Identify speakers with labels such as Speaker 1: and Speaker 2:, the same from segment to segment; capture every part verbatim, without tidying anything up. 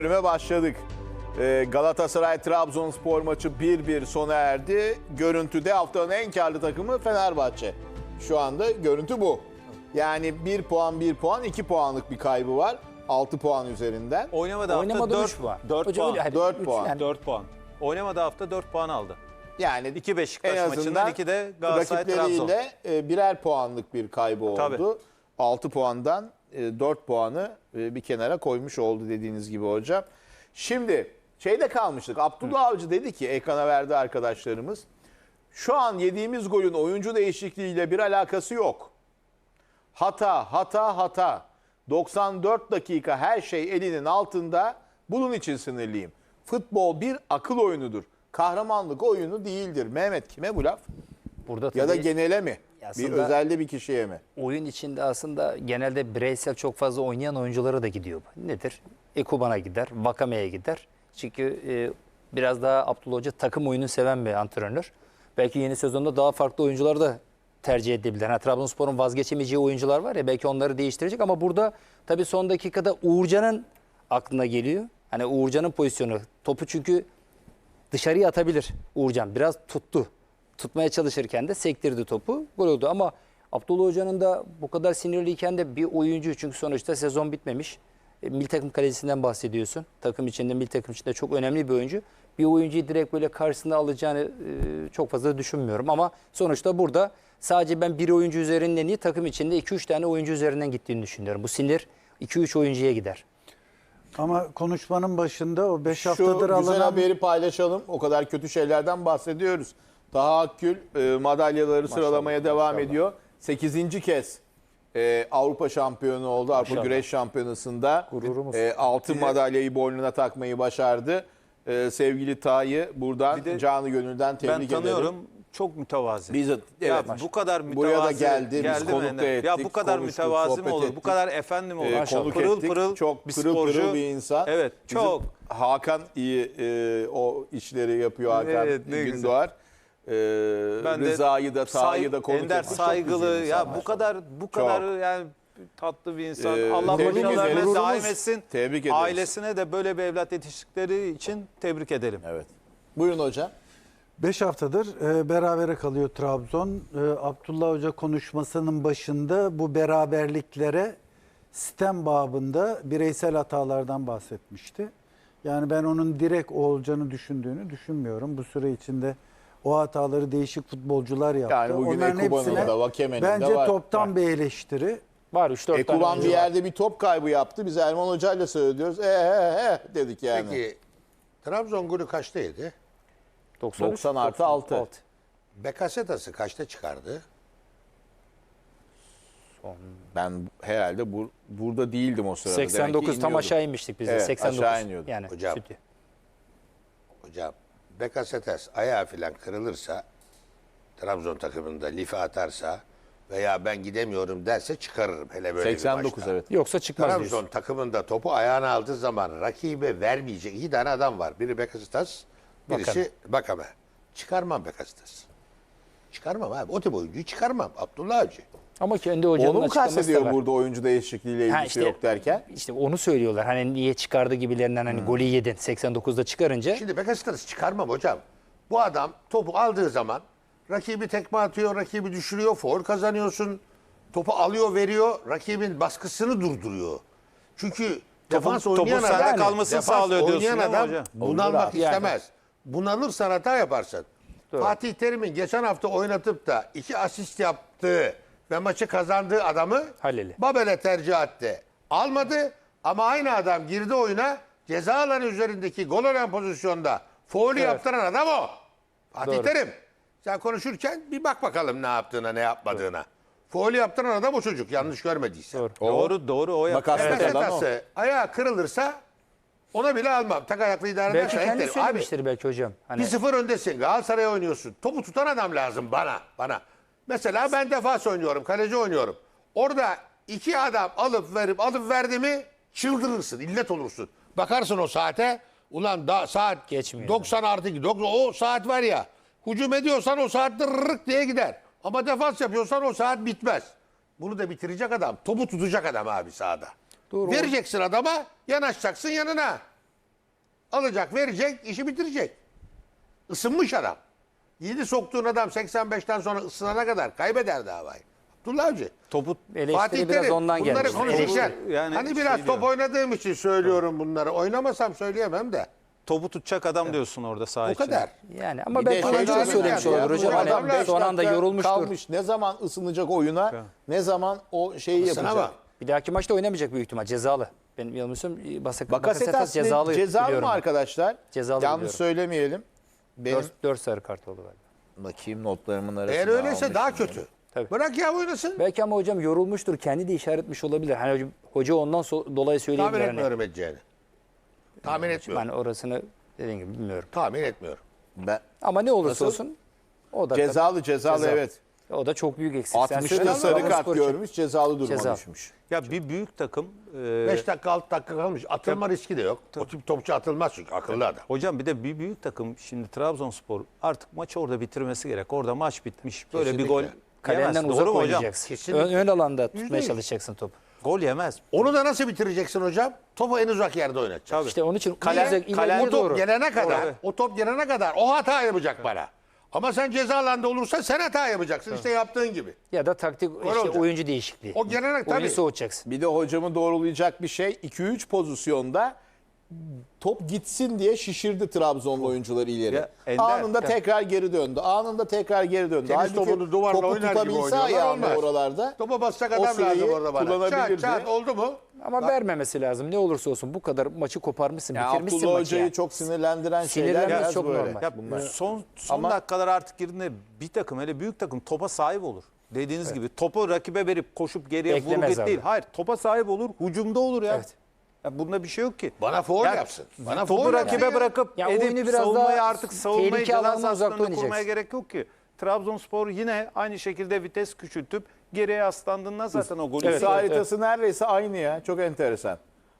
Speaker 1: Bölüme başladık. Ee, Galatasaray-Trabzonspor maçı bir bir sona erdi. Görüntüde haftanın en karlı takımı Fenerbahçe. Şu anda görüntü bu. Yani bir puan bir puan iki puanlık bir kaybı var. altı puan üzerinden.
Speaker 2: Oynamadı hafta
Speaker 3: Oynamadı
Speaker 2: dört
Speaker 3: üç puan.
Speaker 2: dört
Speaker 3: Hocam
Speaker 2: puan.
Speaker 3: öyle, hani
Speaker 1: dört
Speaker 3: üç
Speaker 1: puan.
Speaker 3: yani.
Speaker 2: dört puan. Oynamadı hafta dört puan aldı.
Speaker 1: Yani
Speaker 2: iki
Speaker 1: en
Speaker 2: Beşiktaş
Speaker 1: azından
Speaker 2: maçından iki de Galatasaray Trabzon.
Speaker 1: rakipleriyle e, birer puanlık bir kaybı oldu.
Speaker 2: Tabii.
Speaker 1: altı puandan e, dört puanı e, bir kenara koymuş oldu dediğiniz gibi hocam. Şimdi şeyde kalmıştık. Abdullah Avcı dedi ki ekrana verdi arkadaşlarımız. Şu an yediğimiz golün oyuncu değişikliğiyle bir alakası yok. Hata, hata, hata. doksan dört dakika her şey elinin altında. Bunun için sinirliyim. Futbol bir akıl oyunudur. Kahramanlık oyunu değildir. Mehmet kime bu laf?
Speaker 3: Burada
Speaker 1: Ya da
Speaker 3: tabii
Speaker 1: genele mi? Bir
Speaker 3: aslında-
Speaker 1: özelde bir kişiye mi?
Speaker 3: oyun içinde aslında genelde bireysel çok fazla oynayan oyunculara da gidiyor. Nedir? Ekuban'a gider, Vakame'ye gider. Çünkü e, biraz daha Abdullah Hoca takım oyunu seven bir antrenör. Belki yeni sezonda daha farklı oyuncular da tercih edebilir. Ha, Trabzonspor'un vazgeçemeyeceği oyuncular var ya, belki onları değiştirecek ama burada tabii son dakikada Uğurcan'ın aklına geliyor. Hani Uğurcan'ın pozisyonu. Topu çünkü dışarıya atabilir Uğurcan. Biraz tuttu. Tutmaya çalışırken de sektirdi topu. Gol oldu ama Abdullah Hoca'nın da bu kadar sinirliyken de bir oyuncu, çünkü sonuçta sezon bitmemiş. E, milli takım kalecisinden bahsediyorsun. Takım içinde, milli takım içinde çok önemli bir oyuncu. Bir oyuncuyu direkt böyle karşısına alacağını e, çok fazla düşünmüyorum. Ama sonuçta burada sadece ben bir oyuncu üzerinden değil, takım içinde iki üç tane oyuncu üzerinden gittiğini düşünüyorum. Bu sinir iki üç oyuncuya gider.
Speaker 4: Ama konuşmanın başında o beş
Speaker 1: Şu
Speaker 4: haftadır
Speaker 1: güzel
Speaker 4: alınan...
Speaker 1: haberi paylaşalım. O kadar kötü şeylerden bahsediyoruz. Taha Akgül e, madalyaları sıralamaya devam ediyor. sekizinci kez e, Avrupa şampiyonu oldu. Avrupa
Speaker 3: Maşallah.
Speaker 1: Güreş Şampiyonası'nda
Speaker 3: Gururumuz.
Speaker 1: e, altın madalyayı boynuna takmayı başardı. E, sevgili Taha'yı buradan
Speaker 2: Bir de
Speaker 1: canı gönülden tebrik
Speaker 2: Ben
Speaker 1: ederim.
Speaker 2: tanıyorum. Çok mütevazi.
Speaker 1: Biz de-
Speaker 2: ya
Speaker 1: evet.
Speaker 2: bu kadar mütevazi.
Speaker 1: Buraya da geldi, biz
Speaker 2: mi?
Speaker 1: konuk da ettik,
Speaker 2: Ya bu kadar
Speaker 1: konuştuk,
Speaker 2: mütevazi mi
Speaker 1: sohbet
Speaker 2: olur? Bu
Speaker 1: ettik.
Speaker 2: kadar efendi mi olur?
Speaker 1: E, konuk
Speaker 2: pırıl
Speaker 1: ettik.
Speaker 2: pırıl
Speaker 1: Çok
Speaker 2: bir
Speaker 1: pırıl
Speaker 2: sporcu.
Speaker 1: pırıl bir insan.
Speaker 2: Evet,
Speaker 1: Bizim
Speaker 2: çok.
Speaker 1: Hakan iyi e, o işleri yapıyor, Hakan
Speaker 2: Evet, ne güzel.
Speaker 1: Gündoğar. E, Rıza'yı da Taha'yı
Speaker 2: Say-
Speaker 1: da konuk
Speaker 2: Ender
Speaker 1: ettik. Çok
Speaker 2: saygılı.
Speaker 1: güzel
Speaker 2: Ya
Speaker 1: insanlar.
Speaker 2: bu kadar bu kadar yani tatlı bir insan.
Speaker 1: Ee,
Speaker 2: Allah
Speaker 1: tebrik
Speaker 2: başarılarına
Speaker 1: ederiz.
Speaker 2: daim etsin.
Speaker 1: Tebrik ederiz.
Speaker 2: Ailesine de böyle bir evlat yetiştikleri için tebrik edelim.
Speaker 1: Evet. Buyurun hocam.
Speaker 4: beş haftadır e, berabere kalıyor Trabzon. E, Abdullah Hoca konuşmasının başında bu beraberliklere sistem babında bireysel hatalardan bahsetmişti. Yani ben onun direkt olacağını düşündüğünü düşünmüyorum. Bu süre içinde o hataları değişik futbolcular yaptı.
Speaker 1: Yani bugün
Speaker 4: Onların
Speaker 1: Ekuban'ın
Speaker 4: hepsine
Speaker 1: da, Vakeme'nin de
Speaker 4: bence
Speaker 1: var.
Speaker 4: toptan bir eleştiri.
Speaker 3: Var üç dört tane
Speaker 1: Ekuban
Speaker 3: oyuncu
Speaker 1: bir
Speaker 3: var.
Speaker 1: yerde bir top kaybı yaptı. Biz Erman Hoca'yla söylüyoruz. E, e, e dedik yani.
Speaker 5: Peki Trabzon golü kaçta yedi?
Speaker 3: doksan üç,
Speaker 1: doksan artı altı.
Speaker 5: Bekasetas'ı kaçta çıkardı?
Speaker 1: Ben herhalde bur- burada değildim o sırada. Demek ki
Speaker 3: seksen dokuz tam
Speaker 1: iniyordum.
Speaker 3: aşağı inmiştik biz de.
Speaker 1: Evet,
Speaker 3: seksen dokuz.
Speaker 1: aşağı iniyorduk.
Speaker 3: Yani
Speaker 5: Hocam.
Speaker 3: stüdyo.
Speaker 5: Hocam Bekasetas ayağı falan kırılırsa, Trabzon takımında life atarsa veya ben gidemiyorum derse çıkarırım. Hele böyle
Speaker 1: seksen
Speaker 5: bir
Speaker 1: dokuz
Speaker 5: maçta.
Speaker 1: evet.
Speaker 3: Yoksa çıkmaz
Speaker 5: Trabzon
Speaker 3: diyorsun.
Speaker 5: takımında topu ayağına aldığı zaman rakibe vermeyecek iki tane adam var. Biri Bekasetas, birisi Bakame. Çıkarmam Bekasetas. Çıkarmam abi. O tip oyuncuyu çıkarmam. Abdullah Avcı.
Speaker 3: Ama kendi hocanın
Speaker 1: Onu mu
Speaker 3: açıklaması da
Speaker 1: kastediyor
Speaker 3: var.
Speaker 1: burada oyuncu değişikliğiyle ilgisi
Speaker 3: Ha işte,
Speaker 1: yok derken?
Speaker 3: İşte onu söylüyorlar. Hani niye çıkardı gibilerinden, hani golü yedin seksen dokuzda çıkarınca.
Speaker 5: Şimdi Bekasetas'ı çıkarmam hocam. Bu adam topu aldığı zaman rakibi tekme atıyor, rakibi düşürüyor, faul kazanıyorsun. Topu alıyor, veriyor, rakibin baskısını durduruyor. Çünkü defans
Speaker 2: topun
Speaker 5: oynayan
Speaker 2: sende
Speaker 5: adam,
Speaker 2: kalmasını
Speaker 5: defans
Speaker 2: sağlıyor diyorsun
Speaker 5: oynayan
Speaker 2: değil mi
Speaker 5: adam
Speaker 2: hocam?
Speaker 5: bunalmak
Speaker 3: Yani.
Speaker 5: istemez. Bunalırsan hata yaparsın. Fatih Terim'in geçen hafta oynatıp da iki asist yaptığı ve maçı kazandığı adamı
Speaker 3: Halil'i.
Speaker 5: Babel'e tercih etti. Almadı ama aynı adam girdi oyuna, ceza alanı üzerindeki gol olan pozisyonda faulü yaptıran adam o. Fatih
Speaker 3: Doğru.
Speaker 5: Terim. Sen konuşurken bir bak bakalım ne yaptığına, ne yapmadığına. Faulü yaptıran adam o çocuk, yanlış görmediyse.
Speaker 3: Doğru.
Speaker 2: Doğru doğru o yaptı.
Speaker 1: Makas-
Speaker 5: Evet,
Speaker 1: Evet, adam o.
Speaker 5: ayağı kırılırsa ona bile almam. Tak ayaklı idare
Speaker 3: Belki
Speaker 5: edersen
Speaker 3: kendi
Speaker 5: ederim. Abi
Speaker 3: söylemiştir belki hocam. Hani
Speaker 5: bir sıfır öndesin. Galatasaray'a oynuyorsun. Topu tutan adam lazım bana. Bana. Mesela ben defans oynuyorum. Kaleci oynuyorum. Orada iki adam alıp verip alıp verdi mi çıldırırsın. İllet olursun. Bakarsın o saate. Ulan da saat
Speaker 3: Geçmiyor.
Speaker 5: doksan artı iki. O saat var ya. Hücum ediyorsan o saat dırırık diye gider. Ama defans yapıyorsan o saat bitmez. Bunu da bitirecek adam. Topu tutacak adam abi sahada.
Speaker 3: Doğru.
Speaker 5: Vereceksin adama, yanaşacaksın yanına. alacak, verecek, işi bitirecek. Isınmış adam. Yedi soktuğun adam seksen beşten sonra ısınana kadar kaybeder davayı. Abdullah Avcı.
Speaker 2: Topu
Speaker 3: Eleştiri
Speaker 5: Fatih
Speaker 3: biraz
Speaker 5: Terim,
Speaker 3: ondan
Speaker 5: bunları
Speaker 3: gelmiş.
Speaker 5: konuşurken
Speaker 2: Yani
Speaker 5: hani
Speaker 2: şey
Speaker 5: biraz top
Speaker 2: diyorum.
Speaker 5: oynadığım için söylüyorum bunları. Oynamasam söyleyemem de.
Speaker 2: topu tutacak adam diyorsun orada saha
Speaker 5: O
Speaker 2: içinde.
Speaker 5: kadar.
Speaker 3: Yani ama
Speaker 1: Bir de
Speaker 3: belki
Speaker 1: şey
Speaker 3: oyuncu da
Speaker 1: çok
Speaker 3: söylemiş
Speaker 1: önemli ya,
Speaker 3: olur hocam.
Speaker 1: bu adam
Speaker 3: Hani
Speaker 1: beş
Speaker 3: son anda
Speaker 1: dakika
Speaker 3: yorulmuştur.
Speaker 1: kalmış. Ne zaman ısınacak oyuna, ne zaman o şeyi
Speaker 5: Sana
Speaker 1: yapacak.
Speaker 5: bak.
Speaker 3: Bir dahaki maçta oynamayacak büyük ihtimal. Cezalı. Benim yanılmıyorsam Bakasetas
Speaker 1: Bakasetas
Speaker 3: cezalı
Speaker 1: cezalı, cezalı
Speaker 3: biliyorum
Speaker 1: mı
Speaker 3: ben.
Speaker 1: arkadaşlar?
Speaker 3: Cezalı
Speaker 1: Yanlış
Speaker 3: biliyorum.
Speaker 1: söylemeyelim. Benim
Speaker 3: dört sarı kart oldu galiba.
Speaker 1: bakayım notlarımın arasında.
Speaker 5: Eğer öyleyse
Speaker 1: almışım
Speaker 5: daha
Speaker 1: yani.
Speaker 5: kötü.
Speaker 3: Tabii.
Speaker 5: Bırak ya oynasın.
Speaker 3: Belki ama hocam yorulmuştur. Kendi de işaret etmiş olabilir. Hani hocam, hoca ondan so- dolayı söyleyebilir.
Speaker 5: Tahmin
Speaker 3: Hani.
Speaker 5: etmiyorum edeceğini. Tahmin etmiyorum.
Speaker 3: Ben orasını dediğim gibi bilmiyorum.
Speaker 5: Tahmin etmiyorum.
Speaker 1: Ben,
Speaker 3: Ama ne olursa
Speaker 1: Nasıl?
Speaker 3: olsun o da
Speaker 1: cezalı cezalı
Speaker 3: Cezalı.
Speaker 1: evet.
Speaker 3: o da çok büyük eksik. Sen
Speaker 1: altmışta
Speaker 3: söyle,
Speaker 1: sarı kart
Speaker 3: Trabzonspor için.
Speaker 1: görmüş, cezalı duruma
Speaker 3: Ceza.
Speaker 1: düşmüş.
Speaker 2: Ya bir büyük takım e,
Speaker 5: beş dakika altı dakika kalmış. Atılma riski de yok. O tip topçu atılmaz çünkü akıllı adam.
Speaker 2: hocam bir de bir büyük takım şimdi Trabzonspor artık maçı orada bitirmesi gerek. Orada maç bitmiş. Böyle
Speaker 5: Kesinlikle.
Speaker 2: bir gol
Speaker 3: Kalenden
Speaker 2: yemez.
Speaker 3: uzak
Speaker 2: Doğru mu hocam?
Speaker 3: oynayacaksın.
Speaker 5: Kesinlikle.
Speaker 3: Ön, ön alanda tutmaya
Speaker 5: yüz.
Speaker 3: çalışacaksın topu.
Speaker 2: Gol yemez.
Speaker 5: Onu da nasıl bitireceksin hocam? Topu en uzak yerde oynatacaksın.
Speaker 3: İşte onun için
Speaker 2: Kale-
Speaker 3: uzak,
Speaker 2: kale-
Speaker 3: ileriye
Speaker 5: O top
Speaker 3: doğru.
Speaker 5: gelene kadar,
Speaker 2: Doğru.
Speaker 5: o top gelene kadar o hata yapacak bana. Ama sen ceza alanda olursa sen hata yapacaksın. İşte yaptığın gibi.
Speaker 3: Ya da taktik işte
Speaker 5: olacak.
Speaker 3: oyuncu değişikliği.
Speaker 5: O gelene
Speaker 3: Oyunu
Speaker 5: tabii.
Speaker 3: soğutacaksın.
Speaker 1: Bir de hocamı doğrulayacak bir şey. iki üç pozisyonda top gitsin diye şişirdi Trabzonlu oyuncuları ileri.
Speaker 2: Ya, Ender-
Speaker 1: Anında
Speaker 2: Ya.
Speaker 1: tekrar geri döndü. Anında tekrar geri döndü.
Speaker 5: Tenis
Speaker 1: Halbuki
Speaker 5: topunu duvarla
Speaker 1: topu
Speaker 5: oynar gibi
Speaker 1: tutabilse
Speaker 5: oynuyorlar,
Speaker 1: ayağında
Speaker 5: olmaz.
Speaker 1: oralarda.
Speaker 5: Topa basacak
Speaker 1: O
Speaker 5: adam
Speaker 1: süreyi
Speaker 5: lazım orada bana. Çat
Speaker 1: kullanabilirdi.
Speaker 5: çat oldu mu?
Speaker 3: Ama vermemesi lazım. Ne olursa olsun bu kadar maçı koparmışsın,
Speaker 1: Yani
Speaker 3: bitirmişsin
Speaker 1: Abdullah
Speaker 3: maçı.
Speaker 1: Hoca'yı
Speaker 3: yani.
Speaker 1: çok sinirlendiren şeyler
Speaker 3: Sinirlenmesi
Speaker 1: biraz
Speaker 3: çok
Speaker 1: böyle.
Speaker 3: normal.
Speaker 2: Ya
Speaker 1: Bunlar.
Speaker 2: son son
Speaker 1: Ama-
Speaker 2: dakikalar artık girdiğinde bir takım hele büyük takım topa sahip olur. Dediğiniz gibi topu rakibe verip koşup geriye vur
Speaker 3: Beklemez
Speaker 2: git
Speaker 3: abi.
Speaker 2: değil. Hayır topa sahip olur. Hücumda olur ya.
Speaker 3: Evet.
Speaker 2: Ya bunda bir şey yok ki.
Speaker 5: Bana foul
Speaker 2: Ya,
Speaker 5: yapsın. Bana
Speaker 2: topu
Speaker 5: foul
Speaker 2: rakibe
Speaker 5: yapsın ya.
Speaker 2: bırakıp
Speaker 3: Ya
Speaker 2: edip
Speaker 3: oyunu biraz
Speaker 2: savunmayı
Speaker 3: daha
Speaker 2: artık savunmayı
Speaker 3: tehlike
Speaker 2: ceza
Speaker 3: alanına uzakta
Speaker 2: sahasının önüne
Speaker 3: oynayacaksın.
Speaker 2: kurmaya gerek yok ki. Trabzonspor yine aynı şekilde vites küçültüp geriye yaslandığında zaten o golü
Speaker 1: Evet,
Speaker 2: yiyor.
Speaker 1: haritası neredeyse aynı ya. Çok enteresan.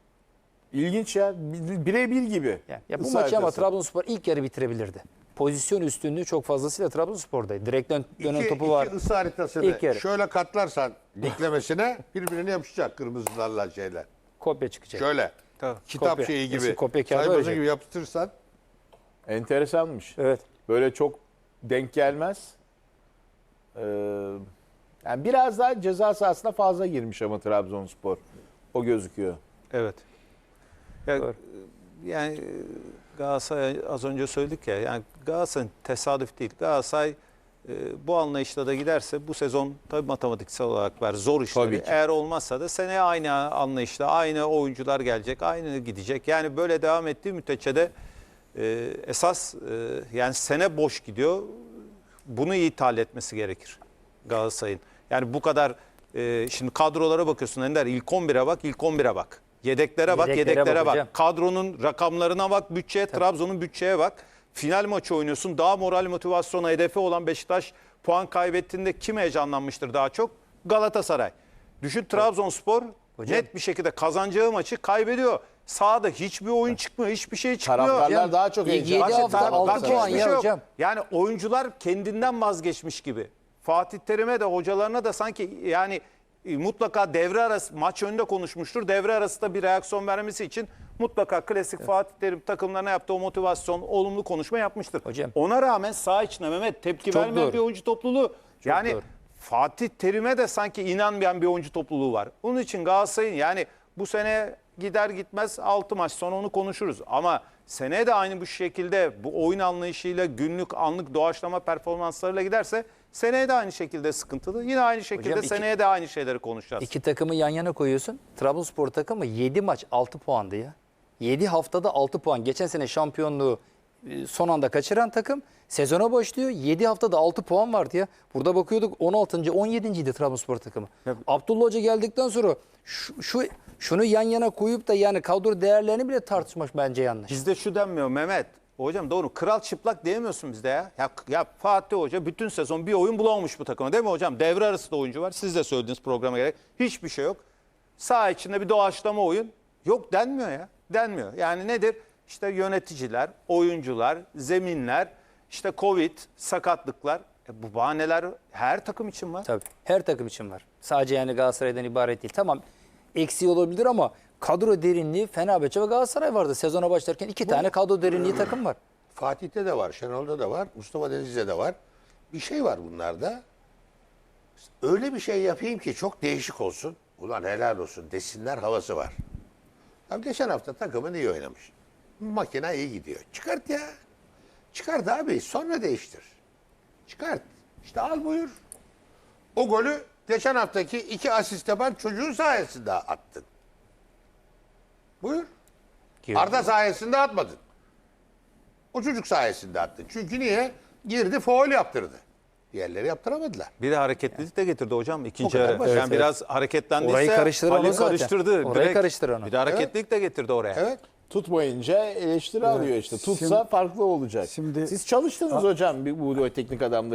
Speaker 1: İlginç ya. Bi- Birebir gibi.
Speaker 3: Yani ya bu
Speaker 1: Isı
Speaker 3: maçı ama
Speaker 1: haritası.
Speaker 3: Trabzonspor ilk yarı bitirebilirdi. Pozisyon üstünlüğü çok fazlasıyla Trabzonspor'daydı. Direkten dönen
Speaker 5: İki,
Speaker 3: topu
Speaker 5: iki
Speaker 3: var.
Speaker 5: ısı haritasını
Speaker 3: İlk yarı.
Speaker 5: şöyle katlarsan diklemesine birbirine yapışacak kırmızılarla şeyler.
Speaker 3: Kopya çıkacak.
Speaker 5: Şöyle.
Speaker 2: Tabii.
Speaker 5: Kitap
Speaker 3: Kopya.
Speaker 5: şeyi gibi.
Speaker 3: Eski kopya kağıdı
Speaker 5: sayfası
Speaker 3: olacak.
Speaker 5: gibi yapıştırırsan.
Speaker 1: Enteresanmış.
Speaker 3: Evet.
Speaker 1: Böyle çok denk gelmez. Ee, yani biraz daha ceza sahasına fazla girmiş ama Trabzonspor. O gözüküyor.
Speaker 2: Evet. Ya,
Speaker 3: Doğru.
Speaker 2: yani e, Galatasaray az önce söyledik ya yani Galatasaray tesadüf değil. Galatasaray e, bu anlayışla da giderse bu sezon tabii matematiksel olarak var zor işleri.
Speaker 1: Tabii ki.
Speaker 2: Eğer olmazsa da seneye aynı anlayışla aynı oyuncular gelecek, aynı gidecek. Yani böyle devam ettiği müddetçe de e, esas e, yani sene boş gidiyor. Bunu iyi ithal etmesi gerekir Galatasaray'ın. Yani bu kadar e, şimdi kadrolara bakıyorsun Ender ilk on bire bak, ilk on bire bak. Yedeklere bak,
Speaker 3: Yedeklere
Speaker 2: yedeklere
Speaker 3: bak
Speaker 2: bak.
Speaker 3: hocam.
Speaker 2: Kadronun rakamlarına bak, bütçeye, Trabzon'un bütçeye bak. Final maçı oynuyorsun. Daha moral motivasyona hedefi olan Beşiktaş puan kaybettiğinde kim heyecanlanmıştır daha çok? Galatasaray. Düşün Trabzonspor
Speaker 3: Hocam.
Speaker 2: net bir şekilde kazanacağı maçı kaybediyor. Sahada hiçbir oyun çıkmıyor, hiçbir şey çıkmıyor.
Speaker 1: Taraftarlar
Speaker 3: Hocam,
Speaker 1: daha çok
Speaker 3: ilk
Speaker 1: heyecan.
Speaker 3: yedi
Speaker 1: Bak,
Speaker 3: hafta
Speaker 1: taraftar-
Speaker 3: altı
Speaker 2: Bak,
Speaker 3: puan
Speaker 2: hiçbir
Speaker 3: ya
Speaker 2: şey yok.
Speaker 3: hocam.
Speaker 2: Yani oyuncular kendinden vazgeçmiş gibi. Fatih Terim'e de hocalarına da sanki yani e, mutlaka devre arası maç önünde konuşmuştur. Devre arasında bir reaksiyon vermesi için mutlaka klasik Fatih Terim takımlarına yaptığı o motivasyon, olumlu konuşma yapmıştır.
Speaker 3: Hocam.
Speaker 2: Ona rağmen saha içine Mehmet tepki
Speaker 3: Çok
Speaker 2: vermeyen
Speaker 3: doğru.
Speaker 2: bir oyuncu topluluğu. yani
Speaker 3: doğru.
Speaker 2: Fatih Terim'e de sanki inanmayan bir oyuncu topluluğu var. Onun için Galatasaray'ın yani bu sene gider gitmez altı maç sonra onu konuşuruz. Ama seneye de aynı bu şekilde bu oyun anlayışıyla günlük anlık doğaçlama performanslarıyla giderse seneye de aynı şekilde sıkıntılı. Yine aynı şekilde
Speaker 3: Hocam iki-
Speaker 2: seneye de aynı şeyleri konuşacağız.
Speaker 3: İki takımı yan yana koyuyorsun. Trabzonspor takımı yedi maç altı puandı ya. yedi haftada altı puan. Geçen sene şampiyonluğu e, son anda kaçıran takım sezona başlıyor. yedi haftada altı puan vardı ya. Burada bakıyorduk on altıncı on yedinciydi Trabzonspor takımı. Abdullah Hoca geldikten sonra şu, şu şunu yan yana koyup da yani kadro değerlerini bile tartışmak bence yanlış.
Speaker 2: Bizde şu denmiyor Mehmet. Hocam doğru kral çıplak diyemiyorsun bizde ya. ya. Ya Fatih Hoca bütün sezon bir oyun bulamamış bu takıma değil mi hocam? Devre arası da oyuncu var. Siz de söylediğiniz programa gerek. Hiçbir şey yok. Saha içinde bir doğaçlama oyun. Yok denmiyor ya. Denmiyor. Yani nedir? İşte yöneticiler, oyuncular, zeminler, işte Covid, sakatlıklar. E bu bahaneler her takım için var.
Speaker 3: Tabii. Her takım için var. Sadece yani Galatasaray'dan ibaret değil. Tamam eksiği olabilir ama kadro derinliği Fenerbahçe ve Galatasaray vardı. Sezona başlarken iki tane kadro derinliği takım var.
Speaker 5: Fatih'te de var, Şenol'da da var, Mustafa Denizli'de de var. Bir şey var bunlarda. Öyle bir şey yapayım ki çok değişik olsun. Ulan helal olsun desinler havası var. Abi geçen hafta takımın iyi oynamış. Makine iyi gidiyor. Çıkart ya. Çıkart abi. Sonra değiştir. Çıkart. İşte al buyur. O golü geçen haftaki iki asist yapan çocuğun sayesinde attın. Buyur. Arda sayesinde atmadın. O çocuk sayesinde attın. Çünkü niye? Girdi faul yaptırdı. Diğerleri yaptıramadılar.
Speaker 2: Bir de hareketlilik de getirdi hocam ikinci
Speaker 5: kadar
Speaker 2: yarı.
Speaker 5: basit.
Speaker 2: Yani biraz hareketlendiyse
Speaker 3: Orayı karıştıran
Speaker 2: Halil
Speaker 3: o zaten.
Speaker 2: karıştırdı.
Speaker 3: Orayı
Speaker 2: Direkt
Speaker 3: karıştıran o.
Speaker 2: Bir de hareketlilik de getirdi oraya.
Speaker 5: Evet.
Speaker 1: Tutmayınca eleştiri alıyor işte. Tutsa
Speaker 4: Şimdi-
Speaker 1: farklı olacak.
Speaker 4: şimdi-
Speaker 1: Siz çalıştınız hocam bu teknik adamları.